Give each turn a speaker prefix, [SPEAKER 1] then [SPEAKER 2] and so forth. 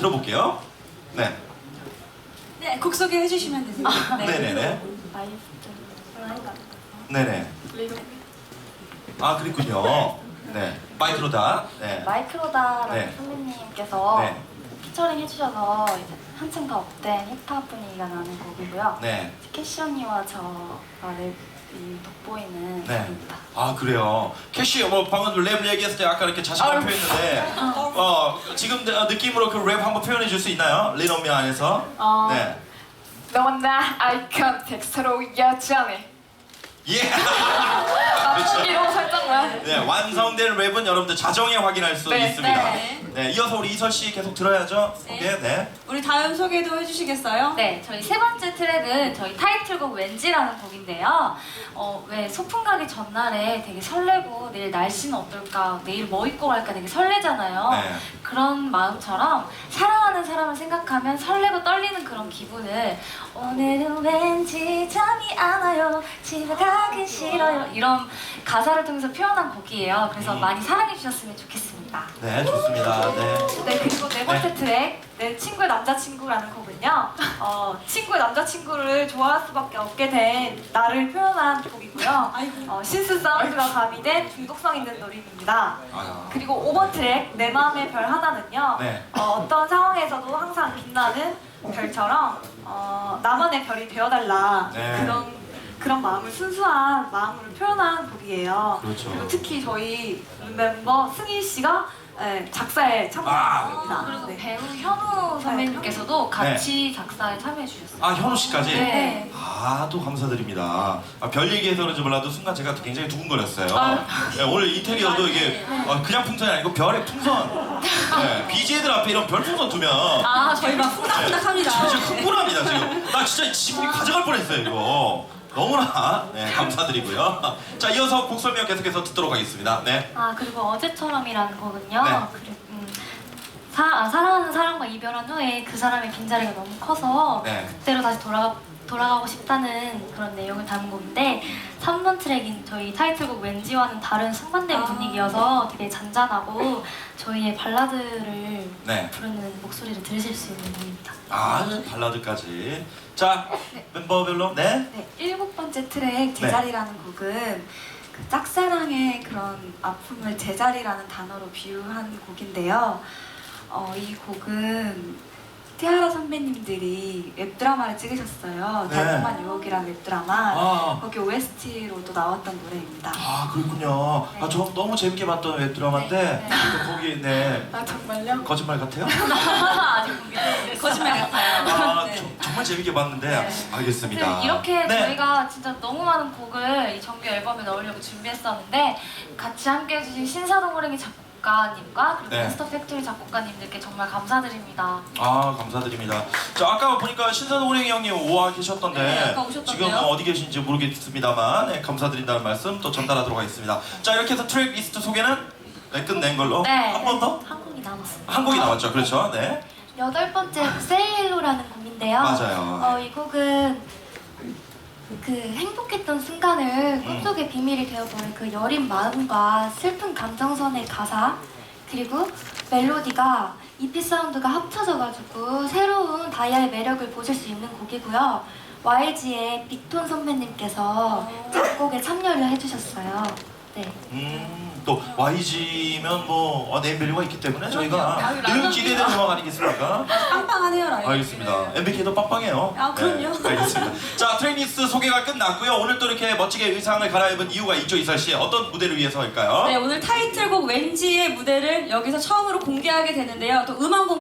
[SPEAKER 1] 들어볼게요. 네.
[SPEAKER 2] 네, 곡 소개해 주시면 되세요. 네.
[SPEAKER 1] 네네네. 네네. 아, 그랬군요. 네. 마이크로다. 네.
[SPEAKER 3] 마이크로다라는
[SPEAKER 1] 네.
[SPEAKER 3] 선배님께서
[SPEAKER 1] 네.
[SPEAKER 3] 피처링 해주셔서 이제 한층 더 업된 힙합 분위기가 나는 곡이고요.
[SPEAKER 1] 네.
[SPEAKER 3] 캐시 언니와 저가 랩이 돋보이는
[SPEAKER 1] 네.
[SPEAKER 3] 곡입니다.
[SPEAKER 1] 아, 그래요. 캐시, 뭐 방금 랩 얘기했을 때 아까 이렇게 자신감 표현했는데, 지금 느낌으로 그 랩 한번 표현해 줄 수 있나요? 리노미 안에서. 네.
[SPEAKER 3] 너와 나 아이컨 텍스트로 여전해.
[SPEAKER 1] 예.
[SPEAKER 3] 맞추기로 살짝만.
[SPEAKER 1] 네, 완성된 랩은 여러분들 자정에 확인할 수
[SPEAKER 3] 네,
[SPEAKER 1] 있습니다.
[SPEAKER 2] 네.
[SPEAKER 1] 네, 이어서 우리 이설 씨 계속 들어야죠.
[SPEAKER 2] 네.
[SPEAKER 1] 소개. 네.
[SPEAKER 2] 우리 다음 소개도 해주시겠어요?
[SPEAKER 4] 네, 저희 세 번째 트랙은 저희 타이틀곡 왠지라는 곡인데요. 왜 소풍 가기 전날에 되게 설레고 내일 날씨는 어떨까, 내일 뭐 입고 갈까 되게 설레잖아요.
[SPEAKER 1] 네.
[SPEAKER 4] 그런 마음처럼 사랑하는 사람을 생각하면 설레고 떨리는 그런 기분을 오늘은 왠지 잠이 안 와요, 집에 가기 싫어요, 이런 가사를 통해서 표현한 곡이에요. 그래서 많이 사랑해 주셨으면 좋겠습니다.
[SPEAKER 1] 네, 좋습니다. 네.
[SPEAKER 4] 네, 그리고 네 번째 트랙 내 친구의 남자친구라는 곡은요, 친구의 남자친구를 좋아할 수밖에 없게 된 나를 표현한 곡이고요.
[SPEAKER 2] 아이고.
[SPEAKER 4] 신스 사운드가 가미된 중독성 있는 노래입니다.
[SPEAKER 1] 아,
[SPEAKER 4] 그리고 5번 트랙 내 마음의 별 하나는요,
[SPEAKER 1] 네.
[SPEAKER 4] 어떤 상황에서도 항상 빛나는 별처럼 나만의 별이 되어달라,
[SPEAKER 1] 네.
[SPEAKER 4] 그런 마음을, 순수한 마음을 표현한 곡이에요.
[SPEAKER 1] 그렇죠.
[SPEAKER 4] 그리고 특히 저희 멤버 승희 씨가 작사에 참여했습니다.
[SPEAKER 1] 아.
[SPEAKER 4] 그리고 배우 현우 선배님께서도 같이 작사에 참여해 주셨어요.
[SPEAKER 1] 아, 현우 씨까지?
[SPEAKER 4] 네.
[SPEAKER 1] 아, 또 감사드립니다. 별 얘기해서 그런지 몰라도 순간 제가 굉장히 두근거렸어요. 네, 오늘 인테리어도 이게 그냥 풍선이 아니고 별의 풍선. 네, BJ들 앞에 이런 별 풍선 두면
[SPEAKER 2] 저희 막 후닥후닥합니다.
[SPEAKER 1] 진짜 흥분합니다, 지금. 나 진짜 지분이 가져갈 뻔했어요, 이거. 너무나 감사드리고요. 자, 이어서 곡 설명 계속해서 듣도록 하겠습니다. 네.
[SPEAKER 4] 그리고 어제처럼이라는 곡은요.
[SPEAKER 1] 네.
[SPEAKER 4] 사랑하는 사람과 이별한 후에 그 사람의 빈자리가 너무 커서
[SPEAKER 1] 네.
[SPEAKER 4] 그때로 다시 돌아가고 싶다는 그런 내용을 담은 곡인데, 3번 트랙인 저희 타이틀곡 왠지와는 다른 상반된 분위기여서 되게 잔잔하고 저희의 발라드를
[SPEAKER 1] 네.
[SPEAKER 4] 부르는 목소리를 들으실 수 있는 곡입니다.
[SPEAKER 1] 아, 발라드까지. 자, 멤버별로. 네.
[SPEAKER 2] 네, 7번째 트랙 제자리라는 곡은 그 짝사랑의 그런 아픔을 제자리라는 단어로 비유한 곡인데요. 이 곡은 티아라 선배님들이 웹드라마를 찍으셨어요.
[SPEAKER 1] 네.
[SPEAKER 2] 달콤한 유혹이라는 웹드라마.
[SPEAKER 1] 아.
[SPEAKER 2] 거기 OST로도 나왔던 노래입니다.
[SPEAKER 1] 아, 그렇군요. 아, 저 너무 재밌게 봤던 웹드라마인데 또 거기 네.
[SPEAKER 2] 정말요?
[SPEAKER 1] 거짓말 같아요?
[SPEAKER 2] 거짓말 같아요.
[SPEAKER 1] 아,
[SPEAKER 2] 네.
[SPEAKER 1] 정말 재밌게 봤는데 알겠습니다.
[SPEAKER 4] 이렇게
[SPEAKER 1] 네.
[SPEAKER 4] 저희가 진짜 너무 많은 곡을 이 정규 앨범에 넣으려고 준비했었는데, 같이 함께 해주신 신사동 호랭이 작곡가님과 그리고
[SPEAKER 1] 네.
[SPEAKER 4] 몬스터 팩토리 작곡가님들께 정말 감사드립니다.
[SPEAKER 1] 아, 감사드립니다. 자, 아까 보니까 신선호 호랭이 형님 오와 계셨던데
[SPEAKER 2] 네, 아까 오셨던데요?
[SPEAKER 1] 지금 어디 계신지 모르겠습니다만 네, 감사드린다는 말씀 또 전달하도록 하겠습니다. 자, 이렇게 해서 트랙 리스트 소개는 끝낸 걸로.
[SPEAKER 4] 네.
[SPEAKER 1] 한 번 더?
[SPEAKER 4] 한 곡이 남았습니다.
[SPEAKER 1] 한 곡이 남았죠. 그렇죠. 네.
[SPEAKER 4] 8번째 세일로라는 곡인데요.
[SPEAKER 1] 맞아요.
[SPEAKER 4] 이 곡은 그 행복했던 순간을 꿈속의 비밀이 되어버린 그 여린 마음과 슬픈 감정선의 가사, 그리고 멜로디가 EP 사운드가 합쳐져가지고 새로운 다이아의 매력을 보실 수 있는 곡이고요. YG의 빅톤 선배님께서 작곡에 참여를 해주셨어요. 네.
[SPEAKER 1] 또 YG면 뭐 네임밸류가 있기 때문에 저희가
[SPEAKER 2] 아유,
[SPEAKER 1] 늘
[SPEAKER 2] 라면
[SPEAKER 1] 기대되는 음악 아니겠습니까?
[SPEAKER 2] 빵빵하네요, 라이브.
[SPEAKER 1] 알겠습니다. MBK도 빵빵해요.
[SPEAKER 2] 아, 그럼요.
[SPEAKER 1] 네, 알겠습니다. 자, 트랙리스트 소개가 끝났고요. 오늘 또 이렇게 멋지게 의상을 갈아입은 이유가 있죠, 이설 씨. 어떤 무대를 위해서일까요?
[SPEAKER 2] 네, 오늘 타이틀곡 왠지의 무대를 여기서 처음으로 공개하게 되는데요. 또 음악